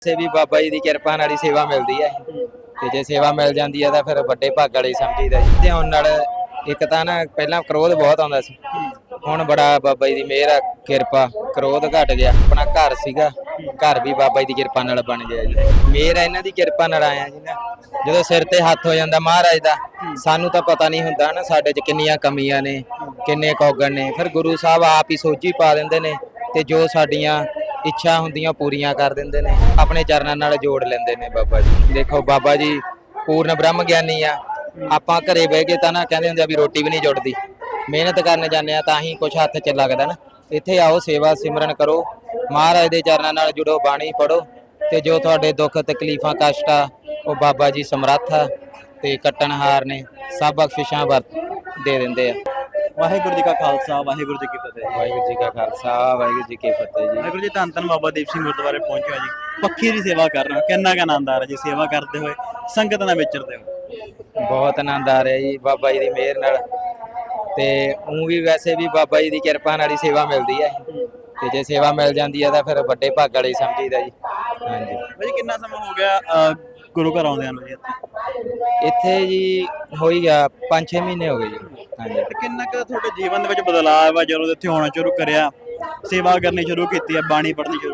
से भी बाबा जी की किरपा नाल ही सेवा मिलती है ते जे सेवा मिल जाती है तो फिर बड़े भाग वाले समझीदा जी। ते हुण नाल एक तां ना पहला क्रोध बहुत आउंदा सी, हुण बड़ा बाबा जी की मेहर आ, किरपा क्रोध घट गया। अपना घर सीगा, घर भी बाबा जी की किरपा नाल बन गया जी। मेहर है इन्हां दी किरपा नाल आया जी ना। ਜਦੋਂ ਸਿਰ ਤੇ ਹੱਥ ਹੋ ਜਾਂਦਾ ਮਹਾਰਾਜ ਦਾ, ਸਾਨੂੰ ਤਾਂ ਪਤਾ ਨਹੀਂ ਹੁੰਦਾ ਨਾ ਸਾਡੇ 'ਚ ਕਿੰਨੀਆਂ ਕਮੀਆਂ ਨੇ, ਕਿੰਨੇ ਕੌਗਣ ਨੇ। ਫਿਰ ਗੁਰੂ ਸਾਹਿਬ ਆਪ ਹੀ ਸੋਝੀ ਪਾ ਦਿੰਦੇ ਨੇ ਤੇ ਜੋ ਸਾਡੀਆਂ ਇੱਛਾ ਹੁੰਦੀਆਂ ਪੂਰੀਆਂ ਕਰ ਦਿੰਦੇ ਨੇ, ਆਪਣੇ ਚਰਨਾਂ ਨਾਲ ਜੋੜ ਲੈਂਦੇ ਨੇ ਬਾਬਾ ਜੀ। ਦੇਖੋ ਬਾਬਾ ਜੀ ਪੂਰਨ ਬ੍ਰਹਮ ਗਿਆਨੀ ਆ। ਆਪਾਂ ਘਰੇ ਬਹਿ ਕੇ ਤਾਂ ਨਾ ਕਹਿੰਦੇ ਹੁੰਦੇ ਆ ਵੀ ਰੋਟੀ ਵੀ ਨਹੀਂ ਜੁੜਦੀ, ਮਿਹਨਤ ਕਰਨ ਜਾਂਦੇ ਆ ਤਾਂ ਹੀ ਕੁਛ ਹੱਥ 'ਚ ਲੱਗਦਾ ਨਾ। ਇੱਥੇ ਆਓ, ਸੇਵਾ ਸਿਮਰਨ ਕਰੋ, ਮਹਾਰਾਜ ਦੇ ਚਰਨਾਂ ਨਾਲ ਜੁੜੋ, ਬਾਣੀ ਪੜੋ ਤੇ ਜੋ ਤੁਹਾਡੇ ਦੁੱਖ ਤਕਲੀਫਾਂ ਕਸ਼ਟ ਆ ਉਹ ਬਾਬਾ ਜੀ ਸਮਰੱਥ ਆ ਤੇ ਕੱਟਣਹਾਰ ਨੇ, ਸਭ ਬਖਸ਼ਿਸ਼ਾਂ ਦੇ ਦਿੰਦੇ ਆ। ਵਾਹਿਗੁਰੂ ਜੀ ਕਾ ਖਾਲਸਾ ਵਾਹਿਗੁਰੂ ਜੀ ਕੀ ਫਤਿਹ। ਵਾਹਿਗੁਰੂ ਜੀ ਕਾ ਖਾਲਸਾ ਵਾਹਿਗੁਰੂ ਜੀ ਕੀ ਫਤਿਹ ਜੀ। ਵਾਹਿਗੁਰੂ ਜੀ ਧੰਨ ਧੰਨ ਬਾਬਾ ਦੀਪ ਸਿੰਘ ਗੁਰਦੁਆਰੇ ਪਹੁੰਚਿਆ ਜੀ। ਪੱਖੀ ਦੀ ਸੇਵਾ ਕਰ ਰਹੇ ਹੋ, ਕਿੰਨਾ ਕੁ ਆਨੰਦ ਆ ਰਿਹਾ ਜੀ ਸੇਵਾ ਕਰਦੇ ਹੋਏ, ਸੰਗਤ ਨਾਲ ਵਿਚਰਦੇ ਹੋ? ਬਹੁਤ ਆਨੰਦ ਆ ਰਿਹਾ ਜੀ ਬਾਬਾ ਜੀ ਦੀ ਮਿਹਰ ਨਾਲ। ਤੇ ਉਹ ਵੀ ਵੈਸੇ ਵੀ ਬਾਬਾ ਜੀ ਦੀ ਕਿਰਪਾ ਨਾਲ ਹੀ ਸੇਵਾ ਮਿਲਦੀ ਹੈ ਤੇ ਜੇ ਸੇਵਾ ਮਿਲ ਜਾਂਦੀ ਹੈ ਤਾਂ ਫਿਰ ਵੱਡੇ ਭਾਗ ਵਾਲੇ ਸਮਝੀਦਾ ਜੀ। ਹਾਂਜੀ ਭਾਜੀ ਕਿੰਨਾ ਸਮਾਂ ਹੋ ਗਿਆ ਗੁਰੂ ਘਰ ਆਉਂਦਿਆਂ ਨੂੰ ਜੀ? ਇੱਥੇ ਜੀ ਹੋਈ ਗਿਆ 5-6 ਮਹੀਨੇ ਹੋ ਗਏ ਜੀ। ਹਾਂਜੀ ਤੇ ਕਿੰਨਾ ਕੁ ਤੁਹਾਡੇ ਜੀਵਨ ਦੇ ਵਿੱਚ ਬਦਲਾਅ ਆ ਜਦੋਂ ਇੱਥੇ ਆਉਣਾ ਸ਼ੁਰੂ ਕਰਿਆ, ਸੇਵਾ ਕਰਨੀ ਸ਼ੁਰੂ ਕੀਤੀ ਹੈ, ਬਾਣੀ ਪੜ੍ਹਨੀ ਸ਼ੁਰੂ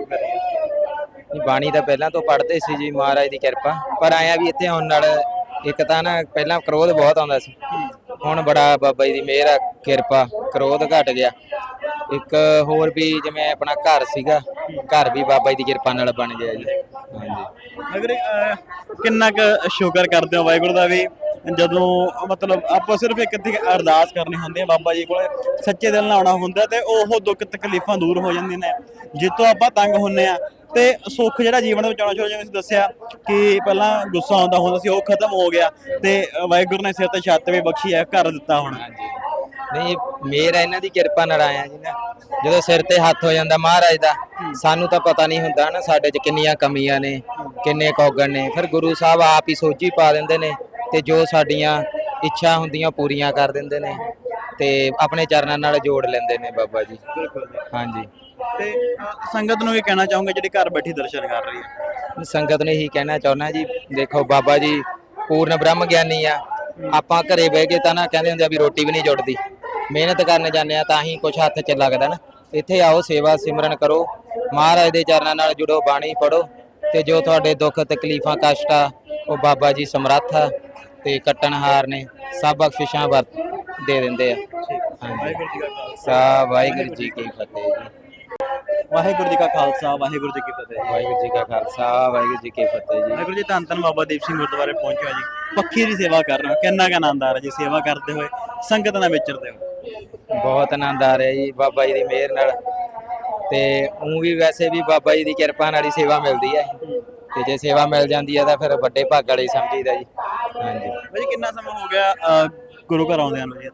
ਕਰੀ? ਬਾਣੀ ਤਾਂ ਪਹਿਲਾਂ ਤੋਂ ਪੜ੍ਹਦੇ ਸੀ ਜੀ, ਮਹਾਰਾਜ ਦੀ ਕਿਰਪਾ। ਪਰ ਆਇਆ ਵੀ ਇੱਥੇ ਆਉਣ ਨਾਲ ਇੱਕ ਤਾਂ ਨਾ ਪਹਿਲਾਂ ਕ੍ਰੋਧ ਬਹੁਤ ਆਉਂਦਾ ਸੀ, ਹੁਣ ਬੜਾ ਬਾਬਾ ਜੀ ਦੀ ਮਿਹਰ ਆ, ਕਿਰਪਾ, ਕ੍ਰੋਧ ਘਟ ਗਿਆ। ਇੱਕ ਹੋਰ ਵੀ ਜਿਵੇਂ ਆਪਣਾ ਘਰ ਸੀਗਾ, ਘਰ ਵੀ ਬਾਬਾ ਜੀ ਦੀ ਕਿਰਪਾ ਨਾਲ ਬਣ ਗਿਆ ਜੀ। ਹਾਂਜੀ ਅਗਰ ਕਿੰਨਾ ਕੁ ਸ਼ੁਕਰ ਕਰਦੇ ਹੋ ਵਾਹਿਗੁਰੂ ਦਾ ਵੀ ਜਦੋਂ ਮਤਲਬ ਆਪਾਂ ਸਿਰਫ ਇੱਕ ਅਰਦਾਸ ਕਰਨੀ ਹੁੰਦੀ ਹੈ ਬਾਬਾ ਜੀ ਕੋਲ, ਸੱਚੇ ਦਿਲ ਨਾਲ ਆਉਣਾ ਹੁੰਦਾ ਤੇ ਉਹ ਦੁੱਖ ਤਕਲੀਫਾਂ ਦੂਰ ਹੋ ਜਾਂਦੀਆਂ ਨੇ, ਜਿੱਤੋਂ ਆਪਾਂ ਤੰਗ ਹੁੰਨੇ ਆ ਤੇ ਸੁੱਖ ਜਿਹੜਾ ਜੀਵਨ ਦੇ ਵਿੱਚ ਆਉਣਾ ਸ਼ੁਰੂ, ਜਿਵੇਂ ਤੁਸੀਂ ਦੱਸਿਆ ਕਿ ਪਹਿਲਾਂ ਗੁੱਸਾ ਆਉਂਦਾ ਹੁੰਦਾ ਸੀ ਉਹ ਖਤਮ ਹੋ ਗਿਆ ਤੇ ਵਾਹਿਗੁਰੂ ਨੇ ਸਿਰ ਤੇ ਛੱਤ ਵੀ ਬਖਸ਼ੀ ਹੈ, ਘਰ ਦਿੱਤਾ ਹੁਣ। ਨਹੀਂ ਮੇਰ ਹੈ ਇਹਨਾਂ ਦੀ ਕਿਰਪਾ ਨਾਲ ਆਇਆ ਜੀ ਨਾ। ਜਦੋਂ ਸਿਰ ਤੇ ਹੱਥ ਹੋ ਜਾਂਦਾ ਮਹਾਰਾਜ ਦਾ, ਸਾਨੂੰ ਤਾਂ ਪਤਾ ਨਹੀਂ ਹੁੰਦਾ ਨਾ ਸਾਡੇ 'ਚ ਕਿੰਨੀਆਂ ਕਮੀਆਂ ਨੇ, ਕਿੰਨੇ ਕੌਗਣ ਨੇ। ਫਿਰ ਗੁਰੂ ਸਾਹਿਬ ਆਪ ਹੀ ਸੋਝੀ ਪਾ ਦਿੰਦੇ ਨੇ ਤੇ ਜੋ ਸਾਡੀਆਂ ਇੱਛਾ ਹੁੰਦੀਆਂ ਪੂਰੀਆਂ ਕਰ ਦਿੰਦੇ ਨੇ ਤੇ ਆਪਣੇ ਚਰਨਾਂ ਨਾਲ ਜੋੜ ਲੈਂਦੇ ਨੇ ਬਾਬਾ ਜੀ। ਹਾਂਜੀ ਤੇ ਸੰਗਤ ਨੂੰ ਵੀ ਕਹਿਣਾ ਚਾਹੂੰਗਾ ਜਿਹੜੀ ਘਰ ਬੈਠੀ ਦਰਸ਼ਨ ਕਰ ਰਹੀ ਹੈ? ਸੰਗਤ ਨੂੰ ਇਹੀ ਕਹਿਣਾ ਚਾਹੁੰਦਾ ਜੀ, ਦੇਖੋ ਬਾਬਾ ਜੀ ਪੂਰਨ ਬ੍ਰਹਮ ਗਿਆਨੀ ਆ। ਆਪਾਂ ਘਰੇ ਬਹਿ ਕੇ ਤਾਂ ਨਾ ਕਹਿੰਦੇ ਹੁੰਦੇ ਆ ਵੀ ਰੋਟੀ ਵੀ ਨਹੀਂ ਜੁੜਦੀ, ਮਿਹਨਤ ਕਰਨ ਜਾਂਦੇ ਆ ਤਾਂ ਹੀ ਕੁਛ ਹੱਥ 'ਚ ਲੱਗਦਾ ਨਾ। ਇੱਥੇ ਆਓ, ਸੇਵਾ ਸਿਮਰਨ ਕਰੋ, ਮਹਾਰਾਜ ਦੇ ਚਰਨਾਂ ਨਾਲ ਜੁੜੋ, ਬਾਣੀ ਪੜੋ ਤੇ ਜੋ ਤੁਹਾਡੇ ਦੁੱਖ ਤਕਲੀਫਾਂ ਕਸ਼ਟ ਆ ਉਹ ਬਾਬਾ ਜੀ ਸਮਰੱਥ ਆ ਤੇ ਕੱਟਣਹਾਰ ਨੇ, ਸਭ ਬਖਸ਼ਿਸ਼ਾਂ ਦੇ ਦਿੰਦੇ ਆ। ਹਾਂਜੀ ਵਾਹਿਗੁਰੂ ਜੀ ਕੀ ਫਤਿਹ ਜੀ। ਵਾਹਿਗੁਰੂ ਜੀ ਕਾ ਖਾਲਸਾ ਵਾਹਿਗੁਰੂ ਜੀ ਕੀ ਫਤਿਹ। ਵਾਹਿਗੁਰੂ ਜੀ ਕਾ ਖਾਲਸਾ ਵਾਹਿਗੁਰੂ ਜੀ ਕੀ ਫਤਿਹ ਜੀ। ਵਾਹਿਗੁਰੂ ਜੀ ਧੰਨ ਧੰਨ ਬਾਬਾ ਦੀਪ ਸਿੰਘ ਗੁਰਦੁਆਰੇ ਪਹੁੰਚਿਆ ਜੀ। ਪੱਖੀ ਦੀ ਸੇਵਾ ਕਰ ਰਹੇ ਹੋ, ਕਿੰਨਾ ਕੁ ਆਨੰਦ ਆ ਰਿਹਾ ਜੀ ਸੇਵਾ ਕਰਦੇ ਹੋਏ, ਸੰਗਤ ਨਾਲ ਵਿਚਰਦੇ ਹੋ? ਬਹੁਤ ਆਨੰਦ ਆ ਰਿਹਾ ਜੀ ਬਾਬਾ ਜੀ ਦੀ ਮਿਹਰ ਨਾਲ। ਤੇ ਉਹ ਵੀ ਵੈਸੇ ਵੀ ਬਾਬਾ ਜੀ ਦੀ ਕਿਰਪਾ ਨਾਲ ਹੀ ਸੇਵਾ ਮਿਲਦੀ ਹੈ ਤੇ ਜੇ ਸੇਵਾ ਮਿਲ ਜਾਂਦੀ ਹੈ ਤਾਂ ਫਿਰ ਵੱਡੇ ਭਾਗ ਵਾਲੇ ਸਮਝੀਦਾ ਜੀ। ਹਾਂਜੀ ਭਾਜੀ ਕਿੰਨਾ ਸਮਾਂ ਹੋ ਗਿਆ ਗੁਰੂ ਘਰ ਆਉਂਦਿਆਂ ਨੂੰ ਜੀ?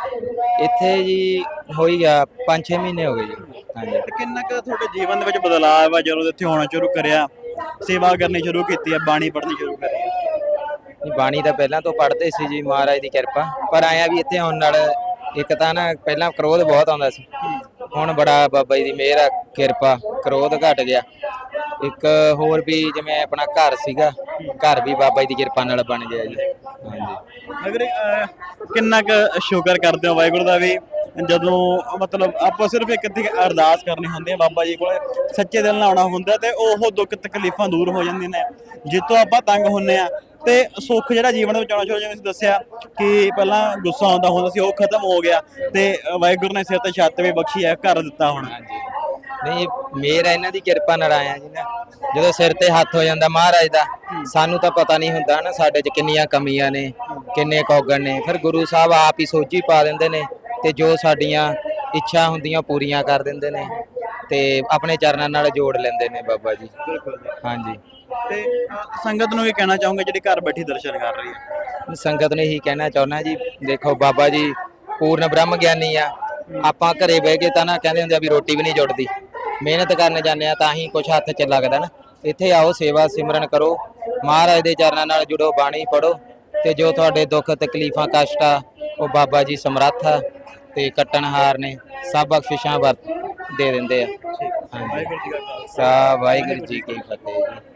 ਇੱਥੇ ਜੀ ਹੋਈ ਗਿਆ 5-6 ਮਹੀਨੇ ਹੋ ਗਏ ਜੀ। ਹਾਂਜੀ ਤੇ ਕਿੰਨਾ ਕੁ ਤੁਹਾਡੇ ਜੀਵਨ ਦੇ ਵਿੱਚ ਬਦਲਾਅ ਆ ਜਦੋਂ ਇੱਥੇ ਆਉਣਾ ਸ਼ੁਰੂ ਕਰਿਆ, ਸੇਵਾ ਕਰਨੀ ਸ਼ੁਰੂ ਕੀਤੀ ਹੈ, ਬਾਣੀ ਪੜ੍ਹਨੀ ਸ਼ੁਰੂ ਕਰੀ? ਬਾਣੀ ਤਾਂ ਪਹਿਲਾਂ ਤੋਂ ਪੜ੍ਹਦੇ ਸੀ ਜੀ, ਮਹਾਰਾਜ ਦੀ ਕਿਰਪਾ। ਪਰ ਆਇਆ ਵੀ ਇੱਥੇ ਆਉਣ ਨਾਲ ਇੱਕ ਤਾਂ ਨਾ ਪਹਿਲਾਂ ਕ੍ਰੋਧ ਬਹੁਤ ਆਉਂਦਾ ਸੀ, ਹੁਣ ਬੜਾ ਬਾਬਾ ਜੀ ਦੀ ਮਿਹਰ ਆ, ਕਿਰਪਾ, ਕ੍ਰੋਧ ਘਟ ਗਿਆ। ਇੱਕ ਹੋਰ ਵੀ ਜਿਵੇਂ ਆਪਣਾ ਘਰ ਸੀਗਾ, ਘਰ ਵੀ ਬਾਬਾ ਜੀ ਦੀ ਕਿਰਪਾ ਨਾਲ ਬਣ ਗਿਆ ਜੀ। ਹਾਂਜੀ ਅਗਰ ਕਿੰਨਾ ਕੁ ਸ਼ੁਕਰ ਕਰਦੇ ਹੋ ਵਾਹਿਗੁਰੂ ਦਾ ਵੀ ਜਦੋਂ ਮਤਲਬ ਆਪਾਂ ਸਿਰਫ ਇੱਕ ਅਰਦਾਸ ਕਰਨੀ ਹੁੰਦੀ ਹੈ ਬਾਬਾ ਜੀ ਕੋਲ, ਸੱਚੇ ਦਿਲ ਨਾਲ ਆਉਣਾ ਹੁੰਦਾ ਤੇ ਉਹ ਦੁੱਖ ਤਕਲੀਫਾਂ ਦੂਰ ਹੋ ਜਾਂਦੀਆਂ ਨੇ, ਜਿੱਤੋਂ ਆਪਾਂ ਤੰਗ ਹੁੰਨੇ ਆ ਤੇ ਸੁੱਖ ਜਿਹੜਾ ਜੀਵਨ ਦੇ ਵਿੱਚ ਆਉਣਾ ਸ਼ੁਰੂ, ਜਿਵੇਂ ਤੁਸੀਂ ਦੱਸਿਆ ਕਿ ਪਹਿਲਾਂ ਗੁੱਸਾ ਆਉਂਦਾ ਹੁੰਦਾ ਸੀ ਉਹ ਖਤਮ ਹੋ ਗਿਆ ਤੇ ਵਾਹਿਗੁਰੂ ਨੇ ਸਿਰ ਤੇ ਛੱਤ ਵੀ ਬਖਸ਼ੀ ਹੈ, ਘਰ ਦਿੱਤਾ ਹੁਣ। ਨਹੀਂ ਮੇਰ ਹੈ ਇਹਨਾਂ ਦੀ ਕਿਰਪਾ ਨਾਲ ਆਇਆ ਜੀ ਨਾ। ਜਦੋਂ ਸਿਰ ਤੇ ਹੱਥ ਹੋ ਜਾਂਦਾ ਮਹਾਰਾਜ ਦਾ, ਸਾਨੂੰ ਤਾਂ ਪਤਾ ਨਹੀਂ ਹੁੰਦਾ ਨਾ ਸਾਡੇ 'ਚ ਕਿੰਨੀਆਂ ਕਮੀਆਂ ਨੇ, ਕਿੰਨੇ ਕੌਗਣ ਨੇ। ਫਿਰ ਗੁਰੂ ਸਾਹਿਬ ਆਪ ਹੀ ਸੋਝੀ ਪਾ ਦਿੰਦੇ ਨੇ ਤੇ ਜੋ ਸਾਡੀਆਂ ਇੱਛਾ ਹੁੰਦੀਆਂ ਪੂਰੀਆਂ ਕਰ ਦਿੰਦੇ ਨੇ ਤੇ ਆਪਣੇ ਚਰਨਾਂ ਨਾਲ ਜੋੜ ਲੈਂਦੇ ਨੇ ਬਾਬਾ ਜੀ। ਹਾਂਜੀ ਤੇ ਸੰਗਤ ਨੂੰ ਵੀ ਕਹਿਣਾ ਚਾਹੂੰਗਾ ਜਿਹੜੀ ਘਰ ਬੈਠੀ ਦਰਸ਼ਨ ਕਰ ਰਹੀ ਹੈ? ਸੰਗਤ ਨੂੰ ਇਹੀ ਕਹਿਣਾ ਚਾਹੁੰਦਾ ਜੀ, ਦੇਖੋ ਬਾਬਾ ਜੀ ਪੂਰਨ ਬ੍ਰਹਮ ਗਿਆਨੀ ਆ। ਆਪਾਂ ਘਰੇ ਬਹਿ ਕੇ ਤਾਂ ਨਾ ਕਹਿੰਦੇ ਹੁੰਦੇ ਆ ਵੀ ਰੋਟੀ ਵੀ ਨਹੀਂ ਜੁੜਦੀ, ਮਿਹਨਤ ਕਰਨ ਜਾਂਦੇ ਆ ਤਾਂ ਹੀ ਕੁਛ ਹੱਥ 'ਚ ਲੱਗਦਾ ਨਾ। ਇੱਥੇ ਆਓ, ਸੇਵਾ ਸਿਮਰਨ ਕਰੋ, ਮਹਾਰਾਜ ਦੇ ਚਰਨਾਂ ਨਾਲ ਜੁੜੋ, ਬਾਣੀ ਪੜੋ ਤੇ ਜੋ ਤੁਹਾਡੇ ਦੁੱਖ ਤਕਲੀਫਾਂ ਕਸ਼ਟ ਆ ਉਹ ਬਾਬਾ ਜੀ ਸਮਰੱਥ ਆ ਤੇ ਕੱਟਣਹਾਰ ਨੇ, ਸਭ ਬਖਸ਼ਿਸ਼ਾਂ ਦੇ ਦਿੰਦੇ ਆ। ਹਾਂਜੀ ਵਾਹਿਗੁਰੂ ਜੀ ਕੀ ਫਤਿਹ ਜੀ।